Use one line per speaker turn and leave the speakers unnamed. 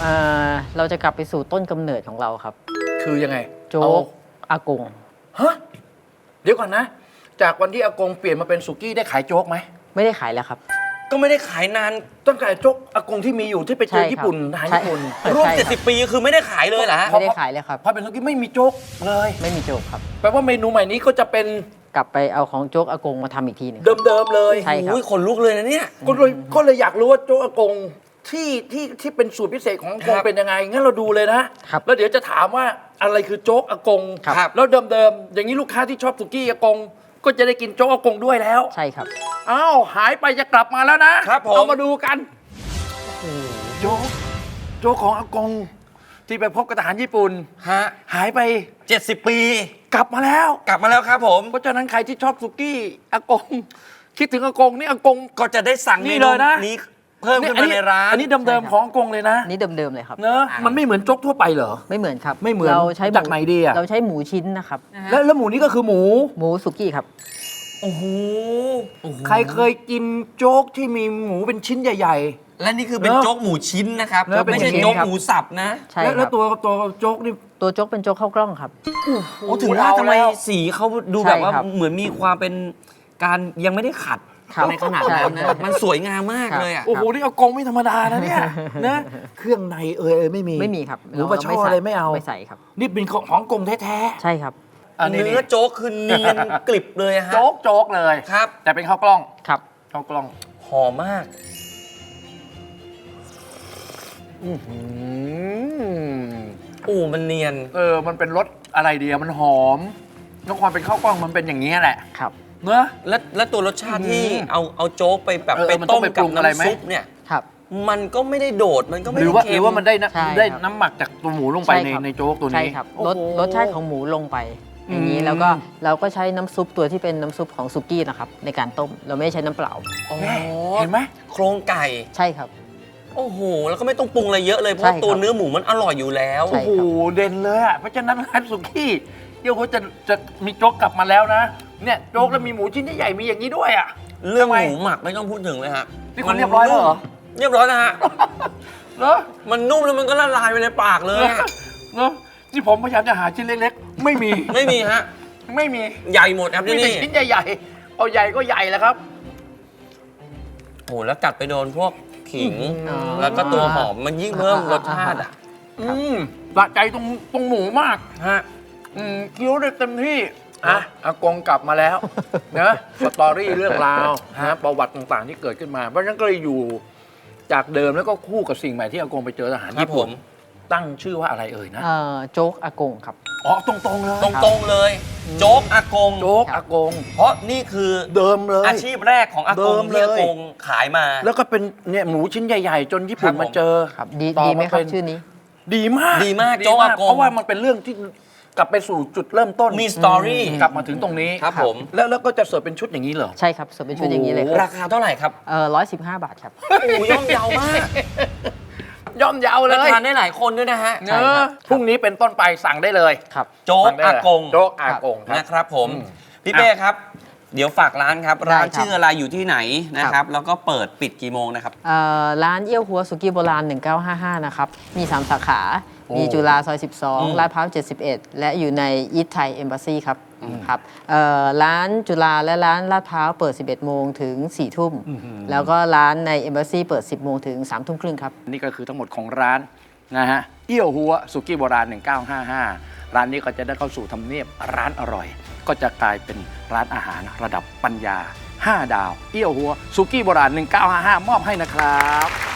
เราจะกลับไปสู่ต้นกำเนิดของเราครับ
คือยังไง
โจ๊กอากง
ฮะเดี๋ยวก่อนนะจากวันที่อากงเปลี่ยนมาเป็นสุกี้ได้ขายโจ๊กไหม
ไม่ได้ขายแล้วครับ
ก็ไม่ได้ขายนาน
ต้องขายโจ๊กอากงที่มีอยู่ที่ไปเจอญี่ปุ่นทหารญี่ปุ่น
ร่วม70 ปีคือไม่ได้ขายเลยเหรอ
ไม่ได้ขายเลยครับ
พอเป็นสุกี้ไม่มีโจ๊กเลย
ไม่มีโจ๊กครับ
แปลว่าเมนูใหม่นี้ก็จะเป็น
กลับไปเอาของโจ๊กอากงมาทำอีกทีนึง
เดิมๆเลย
ใช่ครับ
ขนลุกเลยนะเนี่ย
ก็เลยอยากรู้ว่าโจ๊กอากงที่เป็นสูตรพิเศษของอากงเป็นยังไงงั้นเราดูเลยนะแล้วเดี๋ยวจะถามว่าอะไรคือโจ๊กอากงแล้วเดิมๆอย่างนี้ลูกค้าที่ชอบสุกี้อากงก็จะได้กินโจ๊กอากงด้วยแล้ว
ใช่ครับ
อ้าวหายไปจะกลับมาแล้วนะครับเอามาดูกันโจ๊กของอากงที่ไปพบกับทหารญี่ปุ่นหายไป
70 ปี
กลับมาแล้ว
ครับผม
เพราะฉะนั้นใครที่ชอบสุกี้อากงคิดถึงอากงนี่อากง
ก็จะได้สั่ง
นี่เลยนะ
นี้เพิ่มขึ้นมาในร้าน
อันนี้เดิมๆของอากงเลยนะ
นี่เดิมๆเลยครับ
เนอะมันไม่เหมือนโจ๊กทั่วไปเหรอ
ไม่เหมือนครับ
ไม่เหมือน
เราใช้
จากไหนดีอะ
เราใช้หมูชิ้นนะครับ
แล้วหมูนี่ก็คือหมู
สุกี้ครับ
โอ้โห
ใครเคยกินโจ๊กที่มีหมูเป็นชิ้นใหญ่
ๆและนี่คือเป็นโจ๊กหมูชิ้นนะครับไม่ใช่โจ๊กหมูสับนะ
ใช่ครับ
แล้วตัวโจ๊กนี่
ตัวโจ๊กเป็นโจ๊กข้าวกล้องครับ
โอ้ถึงว่าทำไมสีเขาดูแบบว่าเหมือนมีความเป็นการยังไม่ได้ขัดในขนาดนั้นนะมันสวยงามมากเลยอ่ะ
โอ้โหนี่อากงไม่ธรรมดานะเนี่ยนะเครื่องในไม่มี
ครับ
หรือปลาช่ออะไรไม่เอา
ไม่ใส่ครับ
นี่เป็นของกงแท้
ๆใช่ครับ
เนื้อโจ๊กคือเนียนกริบเลยฮะ
โจ๊กเลย
ครับ
แต่เป็นข้าวกล้อง
ครับ
ข้าวกล้อง
หอมมากมันเนียน
มันเป็นรสอะไรดีมันหอมแล้วความเป็นข้าวกล้องมันเป็นอย่างนี้แหละ
ครับ
เนอะ
และตัวรสชาติที่เอาโจ๊กไปแบบไปต้มกับน้ำซุปเนี่ย
ครับ
มันก็ไม่ได้โดดมันก็ไม่ได้
เค็มหรือว่ามันได้น้ำหมักจากตัวหมูลงไปในโจ๊กตัวนี้
ใช่ครับรสชาติของหมูลงไปอย่างนี้แล้วก็เราก็ใช้น้ำซุปตัวที่เป็นน้ำซุปของสุกี้นะครับในการต้มเราไม่ใช้น้ำเปล่า
เห็นไหม
โครงไก่
ใช่ครับ
โอ้โหแล้วก็ไม่ต้องปรุงอะไรเยอะเลยเพราะตัวเนื้อหมูมันอร่อยอยู่แล้ว
โอ้โหเด่นเลยอ่ะเพราะฉะนั้นร้านสุกี้เดี๋ยวเขาจะมีโจ๊กกลับมาแล้วนะเนี่ยโจ๊กแล้วมีหมูชิ้นใหญ่ๆมีอย่างนี้ด้วยอ่ะ
เรื่องหมูหมักไม่ต้องพูดถึงเลยฮะ
นี่คนเรียบร้อยแล้วเหรอ
เรียบร้อยนะฮะ
เหรอ
มันนุ่มแล้วมันก็ละลายไปในปากเลย
เนอะนี่ผมพยายามจะหาชิ้นเล็กๆไม่มี
ฮะ
ไม่มี
ใหญ่หมดครับที่นี่
ชิ้นใหญ่ๆเอาใหญ่ก็ใหญ่แล้วครับ
โอ้แล้วกัดไปโดนพวกขิงแล้วก็ตัวหอมมันยิ่งเพิ่มรสชาติอ่ะ
สะใจตรงหมูมากฮะเคี้ยวได้เต็มที่อากงกลับมาแล้วนะสตอรี่เรื่องราวประวัติต่างๆที่เกิดขึ้นมาเพราะฉะนั้นก็เลยอยู่จากเดิมแล้วก็คู่กับสิ่งใหม่ที่อากงไปเจอทหารญี่ปุ่นตั้งชื่อว่าอะไรนะ
โจ๊กอากงครับ
ตรงๆเลย
โจ๊กอากงเพราะนี่คือ
เดิมเลย
อาชีพแรกของอากงที่อากงขายมา
แล้วก็เป็นเนี่ยหมูชิ้นใหญ่ๆจนญี่ปุ่นมาเจอ
ครับดีไหมครับชื่อนี้
ดีมาก
โจ๊กอากง
เพราะว่ามันเป็นเรื่องที่กลับไปสู่จุดเริ่มต้น
มีสตอรี่
กลับมาถึงตรงนี้
ครับผม
แล้วก็จะเสิร์ฟเป็นชุดอย่างนี้เหรอ
ใช่ครับเสิร์ฟเป็นชุดอย่างนี้เลย
ราคาเท่าไหร่ครับ
115 บาทครับ
โอ้ย่อมเยาวมาก
ย่อมเยาเลย
ทานได้หลายคนด้วยนะฮะ
พรุ่งนี้เป็นต้นไปสั่งได้เลย
ครับ
โจ๊กอากงนะครับผมพี่เป้ครับเดี๋ยวฝากร้านครับร้านชื่ออะไรอยู่ที่ไหนนะครับแล้วก็เปิดปิดกี่โมงนะครับ
ร้านเอี้ยวหัวสุกี้โบราณ1955นะครับมี3สาขามีจุฬาซอย12ลาดพร้าว71และอยู่ในอีทไทยเอมบาซีครับร้านจุฬาและร้านลาดพร้าวเปิด11 โมงถึง 4 ทุ่มแล้วก็ร้านในเอมบาซีเปิด10 โมงถึง 3 ทุ่มครึ่งครับ
นี่ก็คือทั้งหมดของร้านนะฮะเอี้ยวหัวสุกี้โบราณ1955ร้านนี้ก็จะได้เข้าสู่ทำเนียบร้านอร่อยก็จะกลายเป็นร้านอาหารระดับปัญญา5 ดาวเอี้ยวหัวสุกี้โบราณ1955มอบให้นะครับ